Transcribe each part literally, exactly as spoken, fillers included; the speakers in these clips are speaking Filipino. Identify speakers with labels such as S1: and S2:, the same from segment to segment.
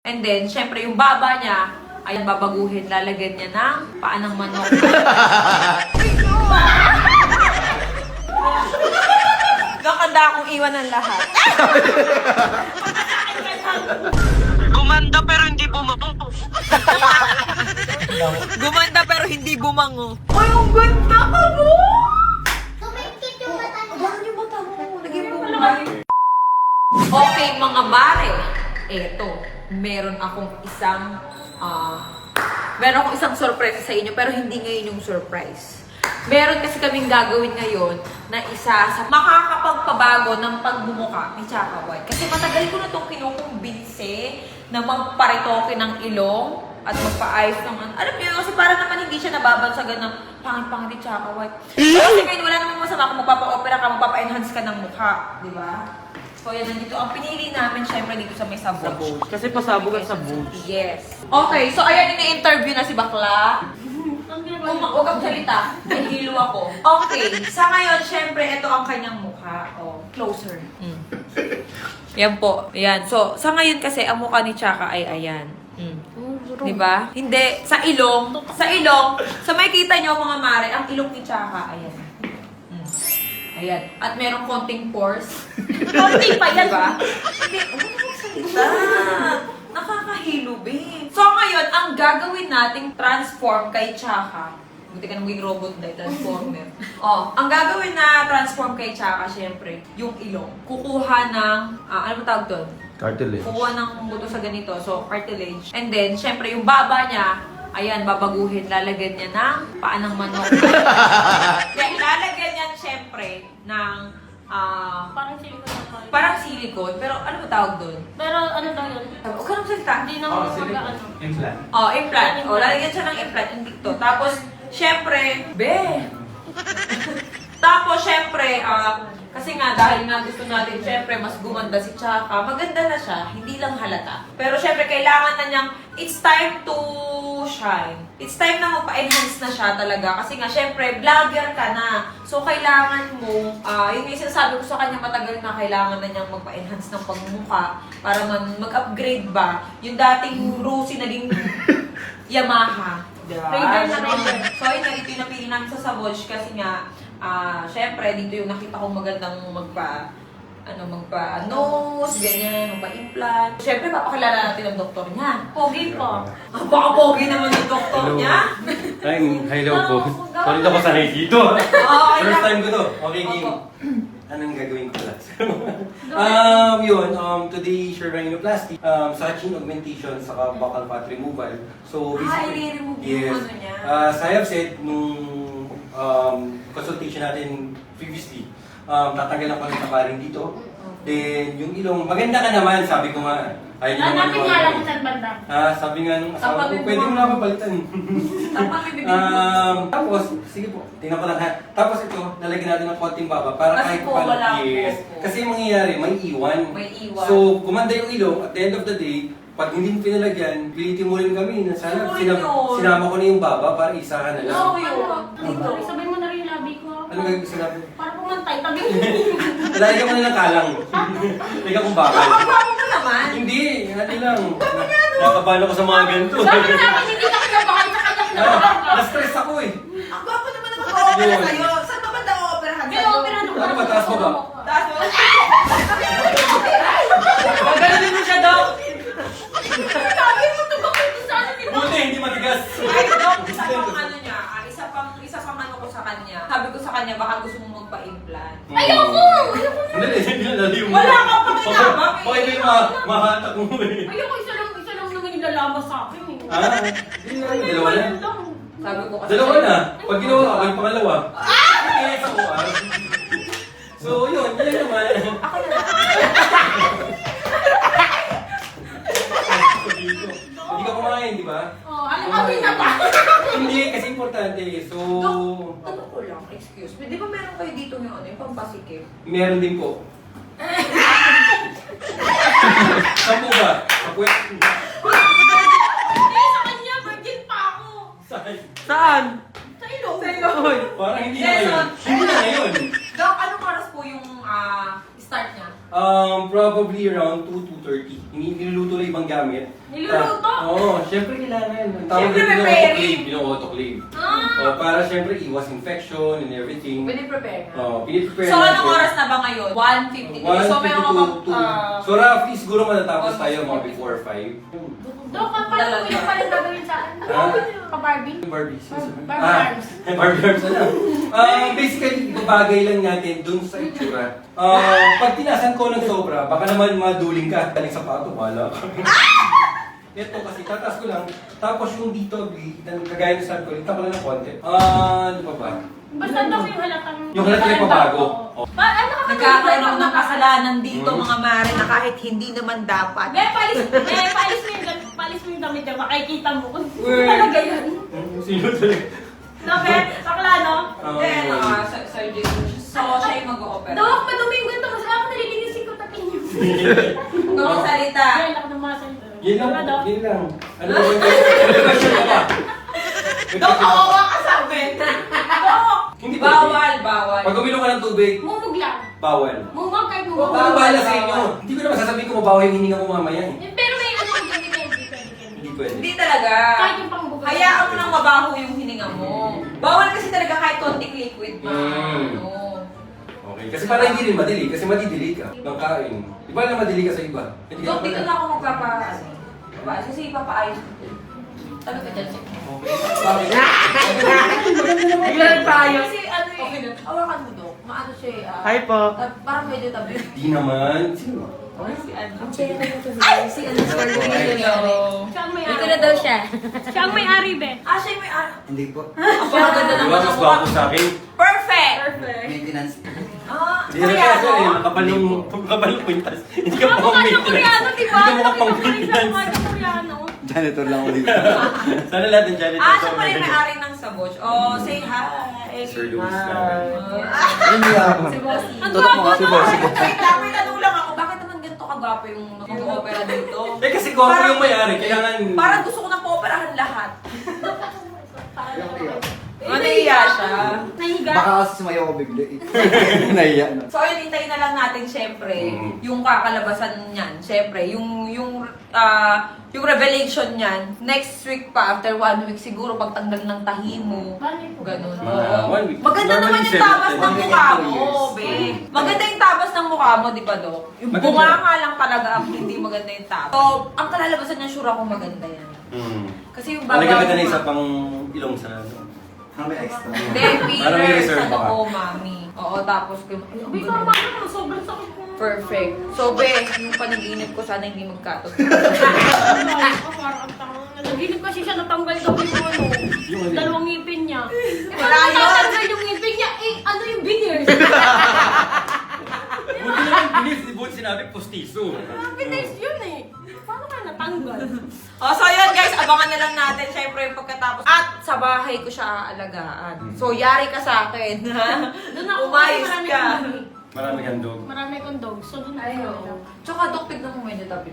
S1: And then, syempre, yung baba niya, ayan, babaguhin, lalagyan niya ng paa ng manok. Nakanda akong iwan ng lahat.
S2: Gumanda pero hindi bumango.
S1: Gumanda pero hindi bumango. Ay, ang ganda ka mo!
S3: Tumikit yung mata niya.
S1: Ganun yung mata mo. Naging bumay. Okay, mga mare. Eto, meron akong isang, ah, meron akong isang surprise sa inyo, pero hindi ngayon yung surprise. Meron kasi kaming gagawin ngayon na isa sa makakapagpabago ng pagbumuka ni Chaka White. Kasi matagal ko na itong kinukumbinse na magparitoke ng ilong at magpa-ayos ng ano. Alam niyo, kasi para naman hindi siya nababansagan ng pangit-pangit ni Chaka White. Kasi ngayon wala namang masama kung magpapa-opera ka, magpapa-enhance ka ng mukha. Di ba? So yan, nandito ang pinili namin syempre dito sa may sabog.
S2: Kasi pasabog ang sabog.
S1: Yes. Okay, so ayan, ini-interview na si Bakla. Kung huwag kang salita, nahilo ako. Okay, sa ngayon, syempre, ito ang kanyang mukha. Oh, closer. Mm. Yan po. Yan. So, sa ngayon kasi, ang mukha ni Chaka ay ayan. Mm. Diba? Hindi. Sa ilong. Sa ilong. Sa may kita nyo, mga mare, ang ilong ni Chaka, ayan. Mm. Ayan. At merong konting pores. Konting pa yan. Diba? Hindi. Huwag mo salita. Nakakahilo, babe. So, ngayon, ang gagawin nating transform kay Chaka, buti ka nang maging robot dahil transformer. Oh, ang gagawin na transform kay Chaka, syempre, yung ilong. Kukuha ng, ah, ano ba tawag doon?
S4: Cartilage.
S1: Kukuha ng buto sa ganito, so cartilage. And then, syempre, yung baba niya, ayan, babaguhin, lalagyan niya ng paa ng manok. Then, lalagyan niya, syempre, ng, ah,
S3: Parang silikon na tayo.
S1: parang silicone, pero ano ba tawag doon?
S3: Pero ano daw yun?
S1: Huwag ka nang salita.
S3: Hindi na mag ano.
S4: Implant.
S1: Oh, implant. Oh, lalagyan siya ng implant yung dito. Tapos, syempre, be. Tapos, syempre, ah, kasi nga, dahil nga gusto natin, syempre, mas gumanda si Chaka. Maganda na siya, hindi lang halata. Pero, syempre, kailangan na niyang, it's time to shine. It's time na magpa-enhance na siya talaga. Kasi nga, syempre, vlogger ka na. So, kailangan mo, ah, yun yung sinasabi ko sa kanya matagal na, kailangan na niyang magpa-enhance ng pagmumukha para man mag-upgrade ba. Yung dating Rusi naging Yamaha. Diba?
S3: Raider na Raider.
S1: So, yun, ito yung napili namin sa Savage kasi nga, ah, syempre, dito yung nakita kong magandang magpa, ano, magpa nose, ganyan, magpa-implant. Syempre, papakilala natin ang doktor niya.
S3: Pogi po.
S1: Ah, baka pogi naman yung doktor
S4: Hello.
S1: niya.
S4: Ay, hello po. Sorry na ko sanay dito.
S1: Okay
S4: First
S1: lang.
S4: time ko to. Okay,
S1: Opo.
S4: game. Anong gagawin ko lang? um, yun, um, today, sure rhinoplasty, um, suction augmentation, saka buccal fat removal. So,
S1: Ah,
S4: basically,
S1: i-remove yung
S4: yes.
S1: ano niya.
S4: Uh, as I have said, nung um, consultation natin previously, um, tatanggal ako ng tabarin dito. Then, yung ilong, maganda ka naman, sabi ko nga. Ayaw niyo naman
S3: Hanapin nga lang
S4: ako.
S3: kung saan banda.
S4: Ah, sabi nga nung asawa
S1: Kapag
S4: ko,
S1: may
S4: pwede mo
S1: buwan.
S4: na ako palitan.
S1: Tapos, may bibig mo.
S4: Um, tapos, sige po, tingnan ko lang ha. Tapos ito, nalagyan natin ng konting baba para
S1: Kasi
S4: kahit
S1: po,
S4: paano-
S1: wala po.
S4: yes. Kasi yung mangyayari, may iwan.
S1: May iwan.
S4: So, gumanda yung ilong, at the end of the day, pag hindi pinalagyan, pilitin mo rin kami na sana
S1: Ano
S4: sinama,
S1: yun?
S4: sinama ko na yung baba para isahan na lang.
S1: Oo, yun.
S3: Dito. Sabay mo na rin yung labi ko.
S4: Ano gagawin ko sinabi?
S3: Para pumantay. Tabi mo.
S4: Lalagyan mo na ng kalang. Lalagyan kong bakal.
S1: Nakakapamo mo naman.
S4: Hindi, hati lang. Nakakabahan ako sa mga ganito.
S3: Sabi namin hindi ka kinabahan sa kanya
S4: Ah,
S3: kinabahan.
S4: na-stress ako eh.
S1: Ang gwapo naman na mag-opera
S4: Yun.
S1: sa'yo. Saan ba ba na-operahan
S3: May
S1: sa'yo?
S3: opera na
S4: Ano ba, taas mo ba?
S1: Taas mo. Gagalunin mo siya, Dok.
S3: Sabi mo ito bakit ito sa ano ni Bob?
S4: Buti, hindi matigas.
S1: Ay, Dok, isa pang ano niya, ah, isa pang, isa pang ano ko sa kanya. Sabi ko sa kanya, baka gusto mong magpa-implant.
S3: Ayoko! Ayoko na.
S4: Hindi, hindi na laliw mo.
S1: Wala ka pang sinama, eh.
S4: Okay, may ma mahatak mo eh.
S3: Ayoko, isa lang, isa lang naman yung lalabas sa akin. eh.
S4: Ah, hindi na, dalawa na.
S3: Ayun lang.
S1: Sabi ko kasi.
S4: Dalawa na. Pag ginawa ka, may pangalawa. Okay, sa kuwan. So, yun, yun naman.
S1: Ako na.
S4: Hindi ka kumain, di ba?
S3: Oh, ano kami na ba?
S4: Hindi, kasi importante. So,
S1: Dok, tanong ko lang, excuse me. Di ba meron kayo dito yung ano, yung pampasikip?
S4: meron din po. Saan po ba? Sa puwet.
S3: Eh, sa kanya, virgin pa ako.
S4: Saan?
S2: Saan?
S3: Sa ilong.
S1: Sa ilong.
S4: Uy, parang hindi na
S1: Yes,
S4: ngayon.
S1: so-
S4: Hindi na ngayon.
S1: Dok, anong oras po yung ah, start niya?
S4: Um, probably around two to thirty. Hindi niluluto lang ibang gamit.
S3: Niluluto?
S4: Ta- Oo, syempre kailangan. Ang tawag
S1: Syempre,
S4: dito yung
S1: preparing.
S4: autoclave. Yung autoclave.
S3: Ah!
S4: Oh, para syempre iwas infection and everything.
S1: Pwede prepare.
S4: Oh, piniprepare
S1: So, anong
S4: natin.
S1: oras na ba ngayon? one fifty-three. So, may mga
S4: one fifty-two.
S1: uh,
S4: So, roughly siguro matatapos
S1: almost
S4: tayo mga
S1: forty.
S4: before five.
S3: Dok, paano mo yung palang gagawin sa akin?
S4: Ha?
S3: Pa-Barbie?
S4: Barbie.
S3: Barbie
S4: Ah,
S3: arms.
S4: Barbie arms na. Ah, basically, ibabagay lang natin dun sa itsura. Ah, pag tinasan ko ng sobra, baka naman maduling ka. Taling sapato, wala ka. Ito kasi, tatas ko lang. Tapos yung dito, kagaya ng sabi ko, lita ko lang ng konti. Ah, ano pa ba?
S3: Basta dok yung halatang...
S4: Yung halatang may pabago.
S3: Oo. Pa, ano ka
S1: nagkakaroon ako ng kasalanan dito,
S4: Hmm.
S1: mga mare, na kahit hindi naman dapat.
S3: Be, palis, be, palis mo yung, dam- palis mo yung damit niya, makikita mo kung
S1: Word.
S3: talaga yan.
S4: Hmm, Sino talaga?
S3: No, be, bakla, no?
S4: Ah,
S1: Then,
S4: yun.
S1: uh, Sir Sir Jason, so siya yung mag-o-opera.
S3: Dok, madumi yung ganito, masaya ako nalilinisin ko tapin niyo.
S1: Huwag kang magsalita.
S3: Ay, laki ng mga salita.
S4: Yun lang,
S3: Diba, Dok?
S4: yun lang. Ano ba yung question ka ba?
S1: Dok, kawawa ka sa amin. Dok,
S4: Hindi pwede.
S1: bawal, bawal.
S4: Pag uminom ka ng tubig,
S3: Mumug lang.
S4: bawal.
S3: Mumug kahit
S4: Huwag
S3: mumug.
S4: ka
S1: Bawal,
S4: bahala sa
S1: bawal.
S4: inyo. Hindi ko naman sasabihin ko mabaho yung hininga mo mamaya eh.
S3: Eh, Pero may ano, hindi pwede, hindi pwede.
S4: Hindi pwede.
S1: Hindi talaga.
S3: Kahit yung pangbugas.
S1: Hayaan mo nang mabaho yung hininga mo. Bawal kasi talaga kahit konting liquid pa.
S4: Mm.
S1: Ano.
S4: Okay, kasi para hindi rin madili, kasi madidili ka ng kain. Di ba na madili ka sa iba? Hindi
S1: Dok,
S4: ka
S1: dito
S4: pala.
S1: na ako magpapa... Ano, diba? Kasi ipapaayos ko. Tabi ka dyan, check.
S4: Okay. Bakit?
S1: Biglang tayo.
S3: Kasi ano eh.
S1: Okay na. Hawakan mo, Dok. Maano siya eh. ah,
S2: Hi po.
S1: ah, parang medyo tabi.
S4: Di naman. Sino?
S1: Si ano?
S5: Si ano, sorry.
S1: Hello.
S3: Siya ang may
S5: Dito
S3: ari.
S5: na daw siya.
S3: Siya ang may ari, be.
S1: Ah, siya yung may ano.
S6: Hindi po.
S1: Ang ganda
S4: Di
S1: naman
S4: ba
S1: ang
S4: mas
S1: mukha.
S4: bago sa akin?
S1: Perfect!
S3: Perfect.
S6: Maintenance.
S1: Ah,
S4: Hindi na kasi eh, kapal yung kapal yung kwintas. Hindi ka
S3: Ang
S4: pa
S3: mukha
S4: pang
S3: niya Koreano, di ba?
S4: Hindi ka pa pang
S3: Nakita ko rin sa mukha
S4: maintenance.
S3: niya Koreano.
S6: Janitor lang ako dito.
S4: Sana lahat ng janitor.
S1: Ah, siya pala yung may-ari ng Saboch. Oh, say hi.
S4: Sir Luis
S2: Hi.
S4: namin.
S1: Ah,
S6: Hindi ako.
S5: Si Bossy.
S3: Ang
S6: Tutok mo
S3: gwapo,
S6: si
S3: no?
S6: Bossy.
S1: Wait lang, may tanong lang ako. Bakit naman ganito kagwapo yung mag-opera dito?
S4: Eh kasi ko ako yung may-ari, kailangan...
S1: Parang gusto ko nang pooperahan lahat.
S3: Parang-
S1: Ano iya siya?
S3: Nahiga.
S6: Baka kasi sumayaw ko bigla eh. Nahiya na.
S1: So ayun, hintayin na lang natin syempre
S4: Mm.
S1: yung kakalabasan niyan. Syempre, yung yung ah, yung revelation niyan next week pa, after one week siguro pagtanggal ng tahi mo. Ganun.
S4: Mga
S1: Oo.
S4: one week.
S1: Maganda naman
S4: Normally,
S1: yung tabas
S4: seven-
S1: ng
S6: one week
S1: mukha
S6: and two
S1: mo,
S6: years.
S1: be. Maganda yung tabas ng mukha mo, di ba, Dok? Yung
S4: Maganda.
S1: bunga nga lang talaga ang hindi maganda yung tabas. So, ang kalalabasan niya, sure ako maganda yan.
S4: Hmm.
S1: Kasi yung baba
S4: Talaga ka na
S1: mo-
S4: isa pang ilong sa...
S6: Ang may extra.
S1: Hindi,
S4: Parang may
S1: filler
S4: reserve
S1: sa
S4: pa ka.
S1: noo, mami. Oo, tapos... Ay, ang
S3: Uy,
S1: ganda.
S3: tama na. Sobrang sakit ko.
S1: Perfect. So, be, yung panaginip ko, sana hindi magkatot.
S3: Ako, parang ang tangang. Nanaginip kasi siya natanggal daw yung ano.
S4: Yung ano?
S3: Dalawang ngipin niya.
S1: Wala
S3: Parang
S1: yun.
S3: natanggal yung ngipin niya. Eh, ano yung veneers?
S4: Buti naman bilis, di buti sinabi postiso.
S3: Veneers yun eh. Paano kaya natanggal?
S1: Oh, so yun guys, abangan na lang natin syempre yung pagkatapos. At sa bahay ko siya aalagaan. So, yari ka sa akin, ha?
S3: Doon ako
S1: Umayos
S3: marami
S1: ka.
S3: akong dog.
S4: Marami kang dog.
S3: Marami akong dog. So, doon
S1: Ay,
S3: ako.
S1: oo. Tsaka, Dok, tignan mo medyo tabi.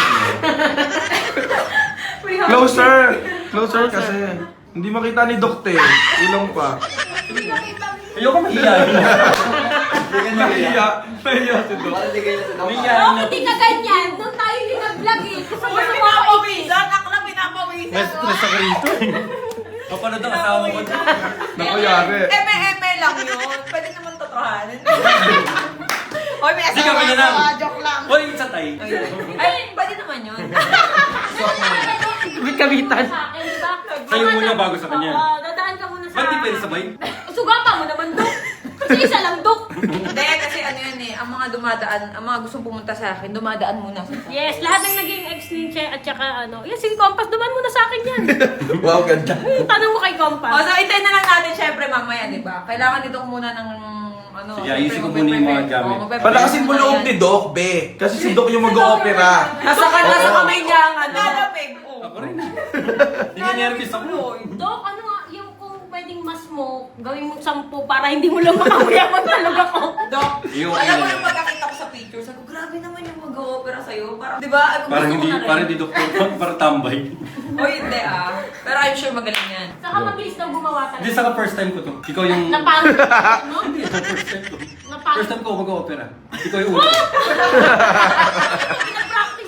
S7: Closer! Closer kasi. Hindi makita ni Dokte. Ilong pa.
S4: Ayoko mahihayin.
S6: Hindi ka nahiya.
S7: Nahiya. Nahiya si Dok.
S6: Para ligay na sa daw.
S4: Mahihayin
S3: Oh,
S4: na.
S3: hindi ka ganyan. Doon tayo din nag-vlog eh. Gusto mo
S1: Uy,
S3: sa mga
S1: pinapawisan! Ako na pinapawisan!
S4: Mas stress ako rito eh. Kapanood ang asawa ko.
S7: Naku, yari.
S1: Eme-eme lang yun. Pwede naman totohanin. Hoy, may
S4: Hindi ka
S1: asawa
S4: ganyan
S1: ako,
S4: lang.
S1: ah, joke lang.
S4: Hoy, sa tay.
S1: Ay, pwede naman yun.
S2: Bit-kabitan.
S3: Sa akin, di ba?
S4: Sa'yo muna bago sa kanya.
S3: Oo, dadaan ka muna sa...
S4: Ba't di pwede sabay?
S3: Sugapa mo naman, Dok. Kasi isa lang, Dok.
S1: Hindi, kasi ano yan eh, ang mga dumadaan, ang mga gustong pumunta sa akin, dumadaan muna sa
S3: Yes, lahat ng naging ex ni Che at saka ano. Yes, si Compass, duman muna sa akin yan.
S6: Wow, ganda.
S3: Tanong mo kay
S1: O,
S3: Compass.
S1: so hintayin na lang natin syempre mamaya, di ba? Kailangan dito ko muna ng ano.
S4: Sige, ayusin ko muna yung mga gamit.
S7: Palakasin mo loob ni Doc, be. Kasi si Doc yung mag-o-opera.
S1: Nasa ka nasa
S7: Oo.
S1: kamay niya ang ano. Lalamig.
S4: Ako rin. Hindi ka nervous ako.
S3: Dok, ano nga, yung kung pwedeng mas mo, gawin mo sampu para hindi mo lang makakuyaman talaga ko.
S1: Dok,
S4: Yung-
S1: alam mo yung pagkakita ko sa picture, sabi ko, grabe naman yung mag-o-opera sa'yo. Parang, di ba? Gusto
S4: Parang
S1: ko
S4: hindi,
S1: na rin.
S4: parang hindi doktor, parang tambay.
S1: O hindi ah. Pero I'm sure magaling yan.
S3: Saka mabilis daw gumawa talaga.
S4: Hindi, saka first time ko to. Ikaw yung...
S3: Napangit, no?
S4: Hindi, ito first time ko.
S3: Napangit.
S4: First time ko mag-opera. Ikaw yung ulo.
S3: Pinapractice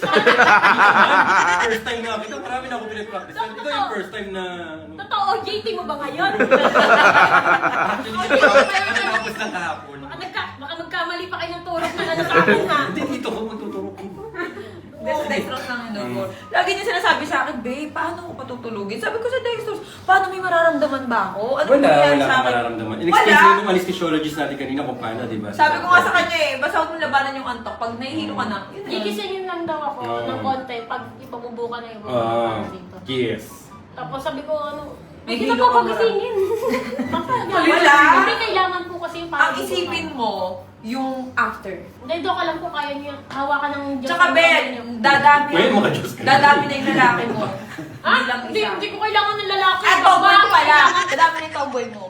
S4: First time na kita, marami na ako pinapractice. Ito yung first time na... ano.
S3: Totoo, J T mo ba ngayon?
S4: Actually, tapos na kahapon.
S3: Baka, nagka, baka magkamali pa kayo ng turok na ano sa akin ha.
S4: Hindi, dito ko magtuturok.
S1: Sa dextrose lang yun. Mm. Lagi niya sinasabi sa akin, babe, paano ko patutulugin? Sabi ko sa dextrose, paano may mararamdaman ba ako? Ano
S4: Wala,
S1: nangyayari
S4: wala
S1: sa
S4: kang
S1: akin?
S4: mararamdaman. In-explain sa'yo nung anesthesiologist natin kanina kung paano, di ba?
S1: Sabi ko nga sa kanya eh, basta huwag mong labanan yung antok. Pag nahihilo ka na, yun na.
S3: Gigisingin lang daw ako
S4: Oo.
S3: ng konti pag ipabubo ka na yung bubo
S4: Ah,
S3: dito.
S4: yes.
S3: Tapos sabi ko ano,
S1: May
S3: hindi na
S1: hilo
S3: po
S1: ka
S3: pagisingin.
S1: Wala.
S3: Hindi kailangan po kasi yung
S1: Ang
S3: parang
S1: isipin mo, yung after.
S3: Hindi, doon ka lang po kaya niyo hawakan ng Diyos.
S1: Tsaka
S3: ng
S1: Ben,
S3: kamay niyo.
S1: dadami,
S4: Well, mga Diyos ka.
S1: dadami na yung lalaki mo.
S3: Ah,
S1: Hindi lang
S3: hindi,
S1: isa.
S3: hindi ko kailangan ng lalaki.
S1: Ah, tomboy ko pala.
S3: Kailangan-
S1: Dadami na yung tomboy mo.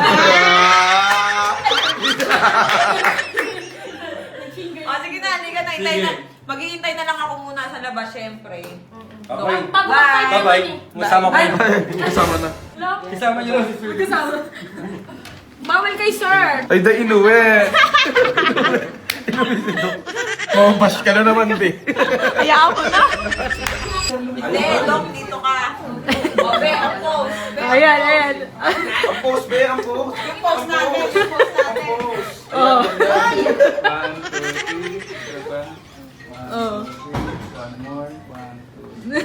S1: O, sige na, hindi ka na. Hintay na.
S4: Sige.
S1: Maghihintay na lang ako muna sa labas, syempre.
S4: Okay.
S3: Pag
S1: Bye.
S4: Bye-bye. Masama ko
S1: Bye.
S4: yun.
S7: Kasama na.
S4: Isama niyo lang si Sir.
S3: Bawal kay sir.
S7: Ay, da inuwi. Inuwi si Dok. Mamabash ka na naman, be.
S1: Hayaan ko na. Hindi, Dok, dito ka. O, be, ang post. Be, ang
S5: Ayan,
S1: post.
S5: ayan.
S7: Ang post, be. Ang post.
S1: Yung post natin, yung post natin.
S5: Oh.
S7: One, two, three, seven.
S5: Oh.
S7: One more, one, two.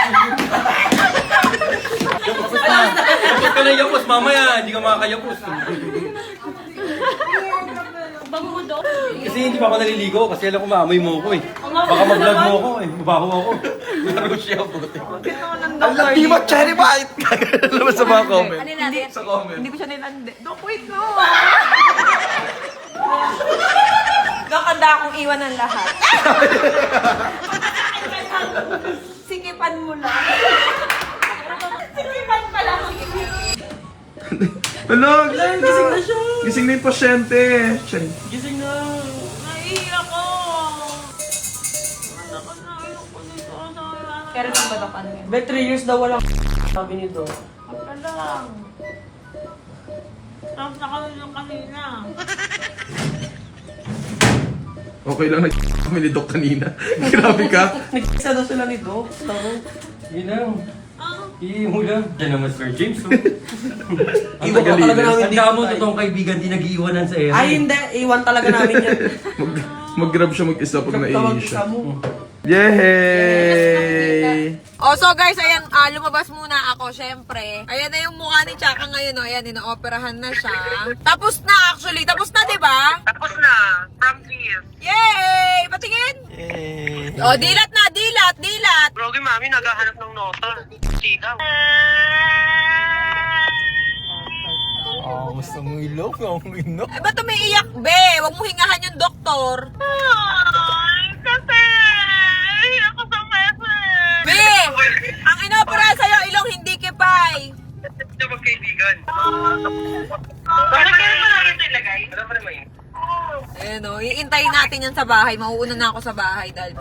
S4: Yapos ka na yapos, mamaya. Hindi ka makakayapos.
S3: Bango mo doon.
S4: Kasi hindi pa ako naliligo kasi alam ko maamoy mo ako eh. Baka mag-vlog mo ako eh. Mabaho ako. Laro siya ako.
S7: Ang laki mo, cherry bite! Naman sa mga comment.
S1: Ano natin?
S7: Sa comment.
S1: Hindi ko siya nilande. Dok, wait no. Nakanda akong iwan ng lahat. Sikipan mo lang. Sikipan pa lang.
S7: Ano? Gising na siya. Gising na yung pasyente. Siya.
S4: Gising na.
S1: Naiiyak ko. Kaya lang ba Dok? Ano yun?
S2: Be, three years daw walang sabi ni Doc.
S1: Wala lang. Tapos nakalulong kanina.
S7: Okay lang, nag kami ni Doc kanina. Grabe ka.
S2: Nag-isa daw sila ni Doc. Taro.
S4: Yun lang. Iiyak mo lang. Yan naman Sir James. oh.
S7: Ang
S2: Iwan ka talaga
S7: tagalinis.
S2: namin
S4: Ang
S2: dito.
S4: damo
S2: tayo.
S4: totoong kaibigan, di nag-iiwanan sa ere.
S2: Ay, hindi. Iwan talaga namin yan.
S7: Mag, mag-grab siya mag-isa pag
S2: Tawag
S7: naiinis
S2: isa
S7: siya.
S2: mo.
S7: Yay!
S1: Oh, so guys, ayan, ah, lumabas muna ako, syempre. Ayan na yung mukha ni Chaka ngayon, oh. Ayan, ina-operahan na siya. Tapos na, actually. Tapos na, di ba?
S2: Tapos na. From here.
S1: Yay! Patingin!
S2: Yay.
S1: Oh, dilat na, dilat, dilat!
S2: Brogi, mami, naghahanap ng nota. Sigaw.
S6: Oh, gusto mo ilog? Ang ino.
S1: Eh, ba't umiiyak, be? Huwag mo hingahan yung doktor.
S2: Ay, kasi. Ako sa mesa.
S1: Be! Ang inopera sa'yo, ilong hindi kipay.
S2: Ito magkaibigan. Bakit kaya mo namin ito ilagay? Alam mo naman yun.
S1: Ayan o, iintayin natin yan sa bahay. Mauuna na ako sa bahay dahil...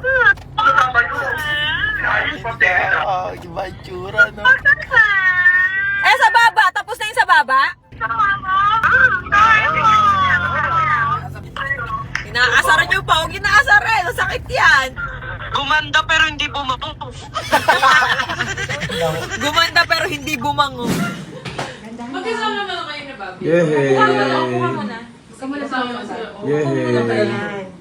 S6: Ah, iba yung tsura, no?
S1: Eh, sa baba! Tapos na yung sa baba? Inaasara niyo pa. Huwag inaasara eh. Sakit yan.
S2: Gumanda pero hindi bumato.
S1: Gumanda pero hindi bumango.
S7: Yay!
S1: muna.
S7: Yay!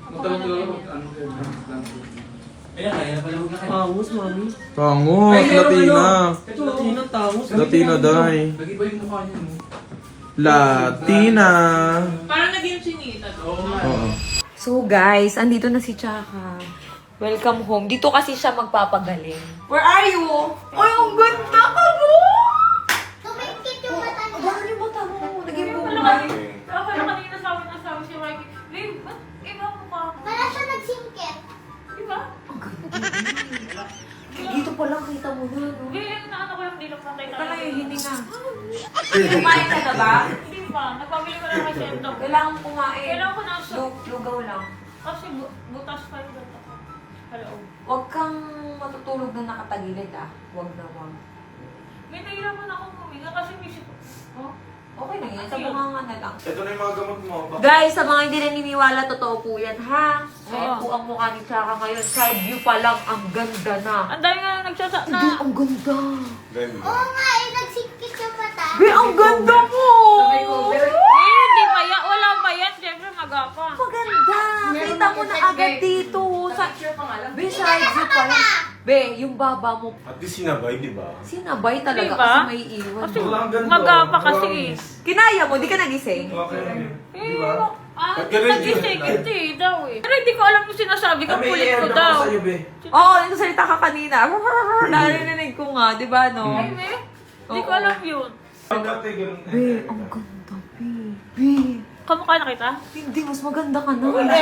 S4: Ayan, kaya na pala huwag na kayo.
S2: Tangos, mami.
S7: Tangot,
S4: Ay, meron
S7: Latina.
S4: ano.
S2: Ito, Latina, tangos.
S7: Latina, day.
S4: Nag-iba yung mukha niyo. no?
S7: Latina.
S5: Parang naging chinita.
S7: Oo.
S1: So guys, andito na si Chaka. Welcome home. Dito kasi siya magpapagaling. Where are you? Ay, ang ganda ka mo!
S3: Tumingkit yung mata niya.
S1: Bakit yung mata mo? Naging buhay.
S3: Ako na kanina sabi na sabi si Mikey, babe, ba't iba mo ka? Wala siya nagsingkit. Diba?
S1: Dito pa lang kita mo na, no?
S3: Eh, na ano ko yung dilok na tayo.
S1: Kala yung hininga. Kumain ka na ba?
S3: Hindi pa. Nagpabili ko lang kasi ito.
S1: Kailangan kumain.
S3: Kailangan ko na siya.
S1: Lug- Lugaw lang.
S3: Kasi bu- butas pa yung ganito ko. Hello.
S1: Huwag kang matutulog na nakatagilid, ah. Huwag na, huwag.
S3: May nahirapan ako huminga kasi may sip... Oh?
S1: Okay na yan. Sa bunganga na lang.
S7: Ito na yung mga gamot mo. Bak-
S1: Guys, sa mga hindi naniniwala, totoo po yan, ha? Ayan
S3: Oo.
S1: po ang mukha ni Chaka ngayon. Side view pa lang, ang ganda na.
S3: Ang dami nga nagsasa na.
S1: Hindi, ang ganda.
S8: Oo nga, eh, nagsikit yung mata.
S1: Be, ang ganda mo!
S3: Eh, hindi pa yan. Wala pa yan. Siyempre, magapa.
S1: Maganda. Kita mo na agad dito. Sa, Be, side view pa lang. Be, yung baba mo,
S7: At least sinabay, di ba?
S1: sinabay talaga
S3: Diba?
S1: kasi may iwan.
S3: Kasi
S7: Wala ang ganda.
S3: magapa kasi.
S1: Kinaya mo, di ka nagising?
S7: Okay.
S3: Eh,
S7: Di ba?
S3: ah,
S7: Ba't ganun
S3: nagising.
S7: yun?
S3: Hindi daw eh. Pero hindi ko alam yung sinasabi ko.
S7: Kami,
S3: Kulit ko
S7: i-air
S3: daw.
S7: ako sa'yo, be.
S1: Oo, oh, nagsasalita ka kanina. Narinig ko nga, di ba, no?
S3: Ay, me. Hindi ko
S1: Oo.
S3: alam yun.
S7: Ang dati, ganun.
S1: Be, ang ganda, Be. Be,
S3: Kamukha na kita?
S1: hindi, mas maganda ka na.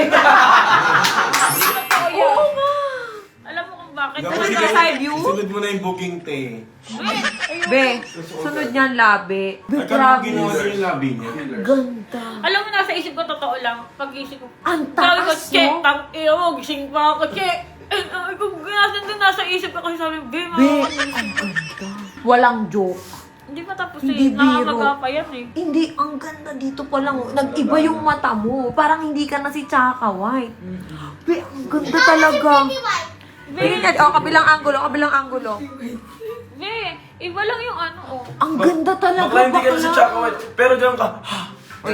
S3: Oo
S1: Oo nga.
S3: Alam mo kung bakit.
S7: Dapat
S1: Talaga,
S7: sige,
S1: side view?
S7: Sunod mo na yung booking, te.
S1: Be, sunod niyan labi. Be,
S7: At ano ginawa
S1: promise.
S7: niya yung labi niya?
S1: Ganda.
S3: Alam mo, nasa isip ko, totoo lang. Pag-isip ko,
S1: Ang
S3: sabi ko,
S1: taas,
S3: che,
S1: no?
S3: tang, iyo mo, gising pa ako, che. Eh, ay, kung nasa din nasa isip ko, kasi sabi, be,
S1: Be,
S3: mga
S1: ang ganda. Walang joke.
S3: Hindi pa tapos
S1: Hindi
S3: eh.
S1: biro.
S3: Nakakagapa yan eh.
S1: Hindi, ang ganda dito pa lang. Nag-iba yung mata mo. Parang hindi ka na si Chaka White. Be, ang ganda talaga. Tingnan niya, oh, kabilang angulo, kabilang angulo.
S3: Be, iba lang yung ano, oh.
S1: Ang ganda talaga,
S7: Bakla hindi ka na si
S1: bakla.
S7: Chaka White. Pero diyan ka.
S3: Be,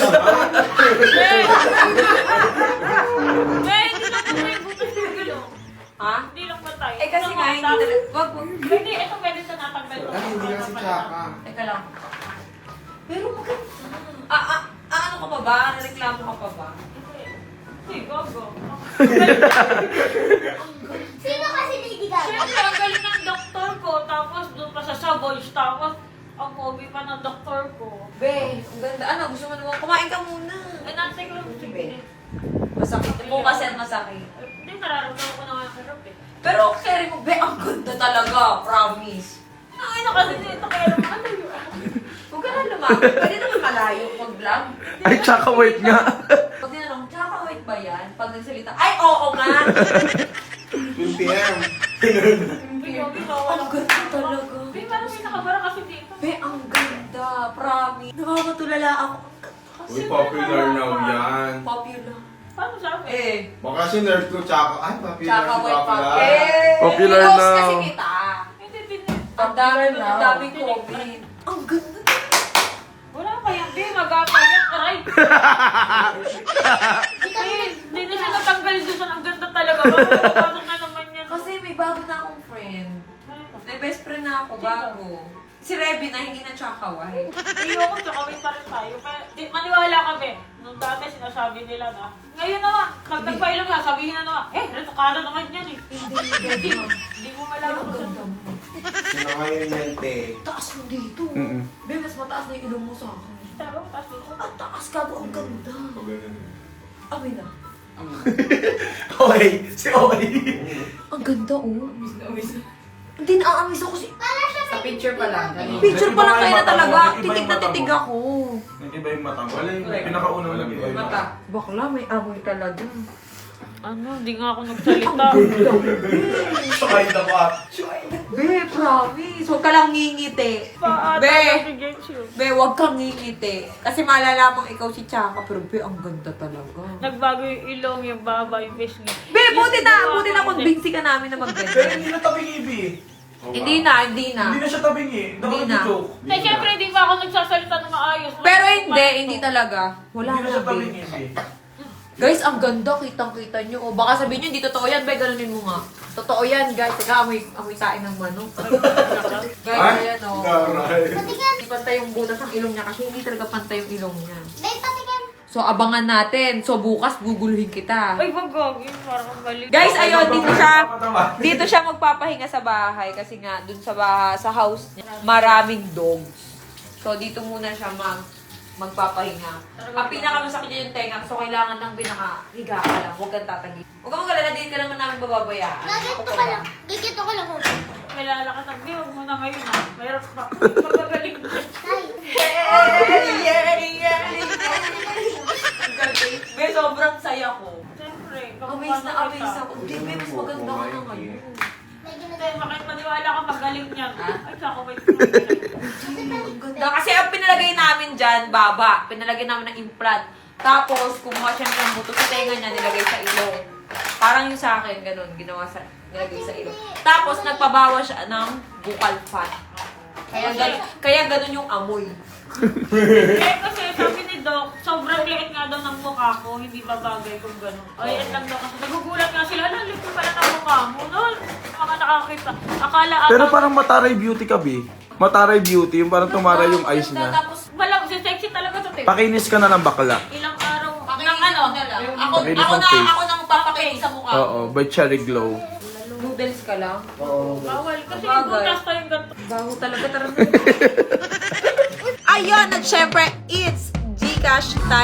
S3: be, hindi lang patay yung butas ng gulo.
S1: Ha?
S3: Hindi lang patay.
S1: Eh kasi nga, hindi talaga. Wag mo.
S3: Hindi, ito pwede sa natanggal ko.
S7: Ay, hindi ka si Chaka.
S1: Teka lang. Pero maganda. Ah, ah, ah, ano ka pa ba? Reklamo ka pa ba?
S3: Hindi, gogo.
S8: Sino kasi Lady Gaga?
S3: Siyempre, ang galing ng doktor ko. Tapos doon pa sa Savoys. Tapos, ang pogi pa ng doktor ko.
S1: Be, ang ganda. Ano, gusto mo naman? Kumain ka muna.
S3: Eh, nantay ko. Sige.
S1: Masakit. Bukas yan masakit.
S3: Eh, Hindi, nararamdaman ko na nga hirap eh.
S1: Pero carry mo, be, ang ganda talaga. Promise.
S3: Ay, na kasi dito kaya naman ano yun.
S1: Huwag ka na lumapit. Pwede naman malayo mag-vlog.
S7: Ay, Chaka White nga.
S1: Pag tinanong, Chaka White ba yan? Pag nagsalita, ay, oo nga.
S7: two p m
S3: Hindi, hindi,
S1: Ang ganda talaga.
S3: Hindi, parang may nakabara kasi dito.
S1: Be, ang ganda. Promise. Nakakatulala ako.
S7: Uy, popular now yan.
S1: Popular.
S3: Paano sabi?
S1: Eh.
S7: Baka si nurse ko, Chaka. Ay, popular
S1: Tsaka
S7: si
S1: white
S7: Popular.
S1: pa. Eh,
S7: Popular
S1: pinost
S7: now.
S1: kasi kita.
S3: Hindi, hindi.
S1: Ang dami,
S7: now.
S1: ang daming COVID. Ang ganda.
S3: Wala pa yan, Be. Magapa yan. Aray. Eh, Hindi na siya natanggal doon sa ang ganda talaga. Bakit na naman yan?
S1: Kasi may bago na akong friend. May best friend na ako, bago. Si Reby na, hindi na Chaka White.
S3: Ayoko, tsaka may pa rin tayo. Kaya, di, maniwala kami. Nung dati sinasabi nila na, ngayon naman, nagtagpailang na, sabihin na naman, eh, retokada naman yan eh.
S1: Hindi,
S3: Hindi,
S1: hindi.
S3: hindi mo malaman
S1: Ang
S3: kung
S1: ganda
S3: saan.
S1: mo.
S7: Sino ngayon yan, te?
S1: Taas mo dito.
S7: Mm-mm.
S1: Be, mas mataas na yung ilong mo sa akin.
S3: Tara, taas dito.
S1: Ang taas ka, ang ganda. Amin na.
S7: Okay, si Okay.
S1: Ang ganda, oh. Hindi na-aamis ako si...
S8: Sa picture pa lang.
S1: Picture pa lang kayo na talaga.
S7: Nag-iba yung
S1: Titig na
S7: mata mo.
S1: titig ako.
S7: Nag-iba yung mata mo. Wala yung pinakaunang nag-iba yung mata.
S1: Bakla, may amoy talaga.
S3: Ano, hindi nga ako nagsalita.
S7: Sakay na ba?
S1: Be, promise. Huwag ka lang ngingiti.
S3: Paata
S1: Be.
S3: na si Genshu.
S1: Be, huwag kang ngingiti. Kasi malalaman ikaw si Chaka. Pero be, ang ganda talaga.
S3: Nagbago yung ilong, yung baba, yung face niya.
S1: Be, buti na,
S3: Yung
S1: buti na
S3: ginawa
S1: convince ka namin na
S7: Pero
S1: magbenta.
S7: hindi na tabing ibi.
S1: Hindi na, hindi na.
S7: Hindi na siya tabing eh.
S1: Hindi na.
S7: Joke.
S3: Eh, syempre, di ba ako nagsasalita ng maayos?
S1: Pero hindi, hindi talaga. Wala
S7: Hindi na siya
S1: na,
S7: tabing
S1: be.
S7: ibi.
S1: Guys, ang ganda. Kitang-kita nyo. O, baka sabihin nyo, hindi totoo yan. Be, ganunin mo nga. Totoo yan, guys. Teka, amoy, amoy sain ng manok. Guys, ayan, o.
S7: Garay.
S8: Patigan.
S1: Hindi pantay yung butas ng ilong niya kasi hindi talaga pantay yung ilong niya.
S8: Dahil patigan.
S1: So, abangan natin. So, bukas guguluhin kita.
S3: Ay, wag gagi. Parang ang galing.
S1: Guys, ayun, dito siya, dito siya magpapahinga sa bahay kasi nga, dun sa bahay, sa house niya, maraming dogs. So, dito muna siya mag, magpapahinga. Ang pinakamasakit niya yung tenga, so kailangan ng pinaka-higa ka lang. Huwag kang tatagi. Huwag kang magalala, dito ka naman namin bababayaan.
S8: Nagito ka lang. Gigito ka lang.
S3: Kilala ka ng view mo na ngayon ha. Mayroon pa. Pagkagaling mo.
S8: Ay.
S1: Be, sobrang saya ko.
S3: Siyempre.
S1: Amaze na amaze ako. Hindi, be, mas maganda ka na ngayon.
S8: Medyo
S3: Hindi, makit maniwala ka magaling niyan. Ay, saka wait.
S8: Kasi
S1: ang ganda. Kasi ang pinalagay namin dyan, baba. Pinalagay namin ng implant. Tapos, kumuha siya ng buto sa tenga niya, nilagay sa ilong. Parang yung sa akin, ganun, ginawa sa, nilagay sa ilong. Tapos, nagpabawa siya ng buccal fat. Kaya, ganun, kaya ganun yung amoy.
S3: Eh, kasi sabi ni Doc, sobrang liit nga daw ng mukha ko, hindi ba bagay kung gano'n. Ay, at lang daw kasi nagugulat nga sila, ala, liit pala ng mukha mo. No, mga nakakita. Akala ata.
S7: Pero parang Mataray Beauty ka, B. Mataray Beauty, yung parang tumaray yung eyes niya.
S1: Tapos,
S3: Walang, si sexy talaga to, Tim.
S7: Pakinis ka na ng bakla.
S3: Ilang araw.
S1: pakinis
S3: Ng ano?
S1: na lang.
S3: Yung-
S1: Ako,
S7: Pakinis
S1: ako
S7: ng
S1: na,
S7: face.
S1: ako nang papakinis sa mukha.
S7: Oo, by Cherry Glow.
S1: Noodles ka lang.
S3: Bawal. Kasi
S1: Bagay.
S3: yung butas tayo yung ganito.
S1: Baho talaga talaga. Ayun, at syempre, it's Gcash time.